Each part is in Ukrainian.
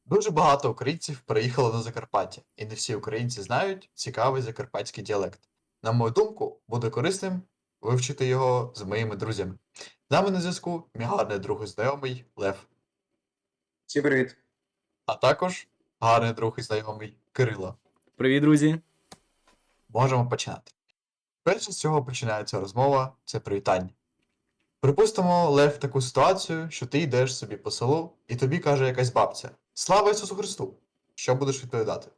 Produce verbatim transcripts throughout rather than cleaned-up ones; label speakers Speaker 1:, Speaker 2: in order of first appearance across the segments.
Speaker 1: Дуже багато українців переїхало на Закарпаття, і не всі українці знають цікавий закарпатський діалект. На мою думку, буде корисним вивчити його з моїми друзями. З нами на зв'язку мій гарний друг і знайомий Лев,
Speaker 2: Всім привіт.
Speaker 1: а також гарний друг і знайомий Кирило.
Speaker 3: Привіт, друзі.
Speaker 1: Можемо починати. Перше з чого починається розмова це привітання. Припустимо, Лев, таку ситуацію, що ти йдеш собі по селу, і тобі каже якась бабця: Слава Ісусу Христу! Що будеш відповідати?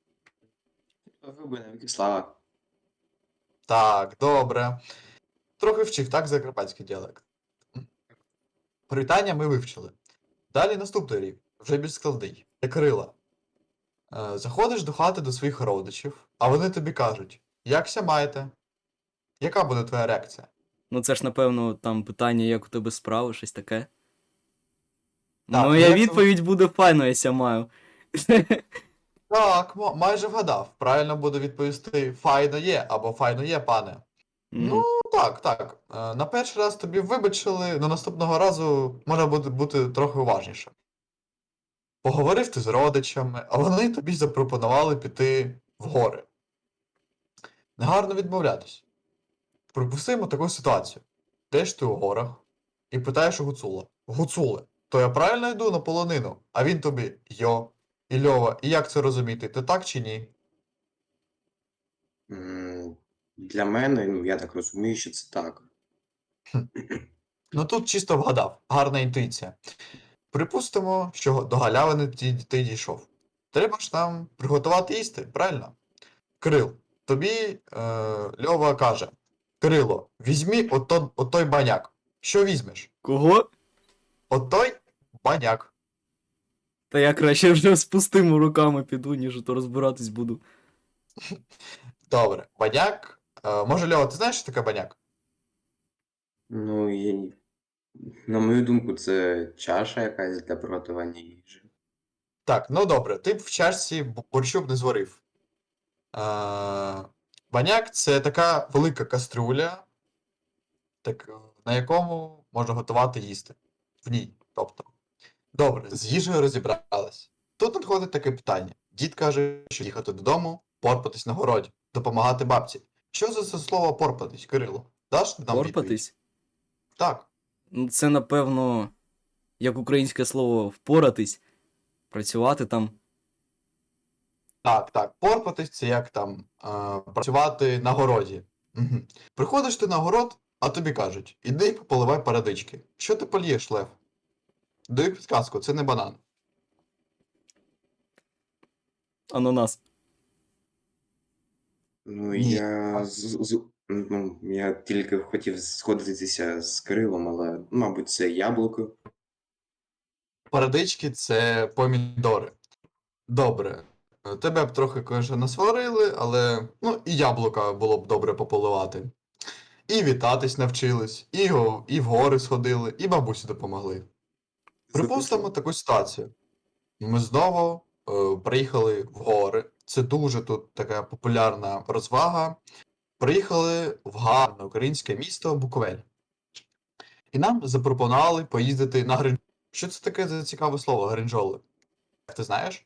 Speaker 2: Ви навіки слава.
Speaker 1: Так, добре. Трохи вчив, так, закарпатський діалект. Привітання ми вивчили. Далі наступний рівень, вже більш складний. Це Кирила. Е, заходиш до хати до своїх родичів, а вони тобі кажуть: Якся маєте? Яка буде твоя реакція?
Speaker 3: Ну це ж, напевно, там питання, як у тебе справи, щось таке.
Speaker 1: Так,
Speaker 3: Моя
Speaker 1: як це-
Speaker 3: відповідь буде файно, я маю.
Speaker 1: Так, мо- майже вгадав. Правильно буде відповісти файно є або файно є, пане. Ну, так, так. Е, На перший раз тобі вибачили, на наступного разу можна буде бути трохи уважніше. Поговорив ти з родичами, а вони тобі запропонували піти в гори. Негарно відмовлятись. Припустимо таку ситуацію. Йдеш ти у горах і питаєш у Гуцула: Гуцуле, то я правильно йду на полонину? А він тобі: Йо, і Льова, і як це розуміти? Ти так чи ні?
Speaker 2: М, Для мене, ну я так розумію, що це так.
Speaker 1: Ну тут чисто вгадав, гарна інтуїція. Припустимо, що до галявини ти, ти дійшов. Треба ж нам приготувати їсти, правильно? Кирил, тобі е, Льова каже: Кирило, візьмі ото, отой баняк. Що візьмеш?
Speaker 3: Кого?
Speaker 1: Отой баняк.
Speaker 3: Та я краще вже з пустими руками піду, ніж то розбиратись буду.
Speaker 1: Добре, баняк. Е, може, Льова, ти знаєш, що таке баняк?
Speaker 2: Ну, і, на мою думку, це чаша якась для приготування їжі.
Speaker 1: Так, ну добре, ти б в чашці б- борщу б не зварив. Е, баняк це така велика кастрюля, так, на якому можна готувати їсти. В ній, тобто. Добре, з їжею розібрались. Тут надходить таке питання. Дід каже, що їхати додому, порпатись на городі, допомагати бабці. Що за це слово порпатись, Кирило? Даш нам відповідь?
Speaker 3: Порпатись?
Speaker 1: Так.
Speaker 3: Ну це, напевно, як українське слово впоратись, працювати там.
Speaker 1: Так, так. Порпатись це як там е, працювати на городі. Угу. Приходиш ти на город, а тобі кажуть: іди поливай парадички. Що ти полієш, Лев? Даю підказку, це не банан.
Speaker 3: Ананас.
Speaker 2: Ну,
Speaker 1: Ні.
Speaker 2: я з, з- ну, я тільки хотів сходитися з Кирилом, але, мабуть, це яблуко.
Speaker 1: Парадички це помідори. Добре. Е, Тебе б трохи, конечно, насварили, але ну і яблука було б добре пополивати. І вітатись навчились, і, го- і в гори сходили, і бабусі допомогли. Припустимо таку ситуацію. Ми знову е, приїхали в гори. Це дуже тут така популярна розвага. Приїхали в гарне українське місто Буковель. І нам запропонували поїздити на гринджоли. Що це таке за цікаве слово гринджоли? Ти знаєш?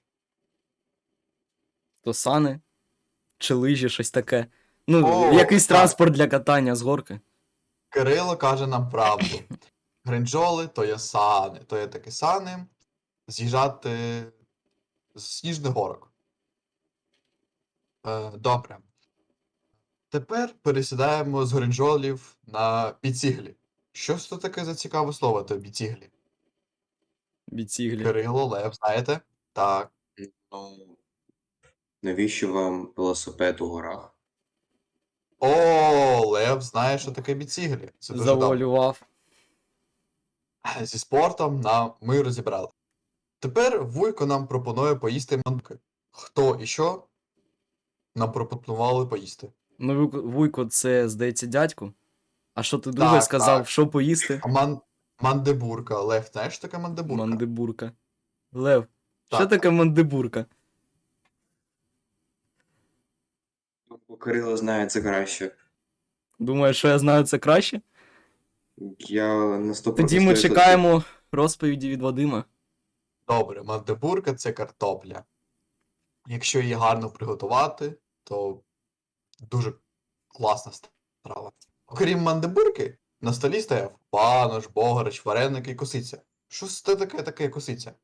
Speaker 3: То сани, чи лижі, щось таке. Ну,
Speaker 1: О,
Speaker 3: якийсь
Speaker 1: так.
Speaker 3: транспорт для катання з горки.
Speaker 1: Кирило каже нам правду. Гринджоли то є сани, то є такі сани з'їжджати з сніжних горок. Е, добре. Тепер пересідаємо з гринджолів на біціглі. Що ж це таке за цікаве слово, то біціглі?
Speaker 3: Біціглі.
Speaker 1: Кирило, Лев, знаєте? Так.
Speaker 2: Ну, навіщо вам велосипед у горах?
Speaker 1: О, Лев знає, що таке біціглі. Це дуже добре.
Speaker 3: Завуалював.
Speaker 1: Зі спортом нам ми розібрали. Тепер Вуйко нам пропонує поїсти манки. Хто і що нам пропонували поїсти?
Speaker 3: Ну, Вуйко- Вуйко, це, здається, дядько. А що ти друге
Speaker 1: Так,
Speaker 3: сказав,
Speaker 1: так.
Speaker 3: що поїсти?
Speaker 1: Ман... Мандебурка. Лев, знаєш, що таке мандебурка?
Speaker 3: Мандибурка. Лев, що
Speaker 1: Так.
Speaker 3: таке мандибурка?
Speaker 2: Бо Кирило знає це краще.
Speaker 3: Думаєш, що я знаю це краще?
Speaker 2: Я на сто
Speaker 3: Тоді ми чекаємо розповіді від Вадима.
Speaker 1: Добре, мандибурка це картопля. Якщо її гарно приготувати, то дуже класна страва. Окрім мандибурки, на столі стояв банош, бограч, вареники і косиця. Що це таке таке косиця?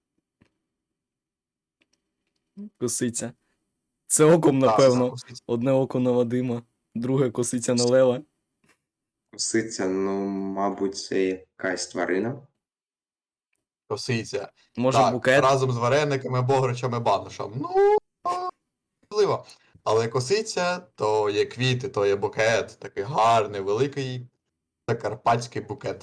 Speaker 3: Косиця. Це оком,
Speaker 1: Так,
Speaker 3: напевно.
Speaker 1: косиця.
Speaker 3: Одне око на Вадима, друге косиця на Лева.
Speaker 2: Косиця, ну, мабуть, це якась тварина.
Speaker 1: Косиця.
Speaker 3: Може,
Speaker 1: Так,
Speaker 3: букет?
Speaker 1: разом з варениками, бограчами, баношем. Ну, можливо. Але косиця, то є квіти, то є букет. Такий гарний, великий закарпатський букет.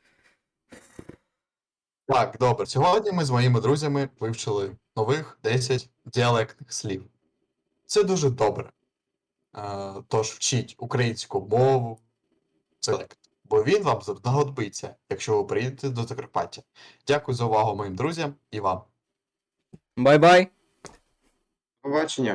Speaker 1: Так, добре. Сьогодні ми з моїми друзями вивчили нових десять діалектних слів. Це дуже добре. Е, Тож вчіть українську мову, діалект, бо він вам знадобиться, якщо ви приїдете до Закарпаття. Дякую за увагу моїм друзям і вам.
Speaker 3: Бай-бай!
Speaker 2: Побачення.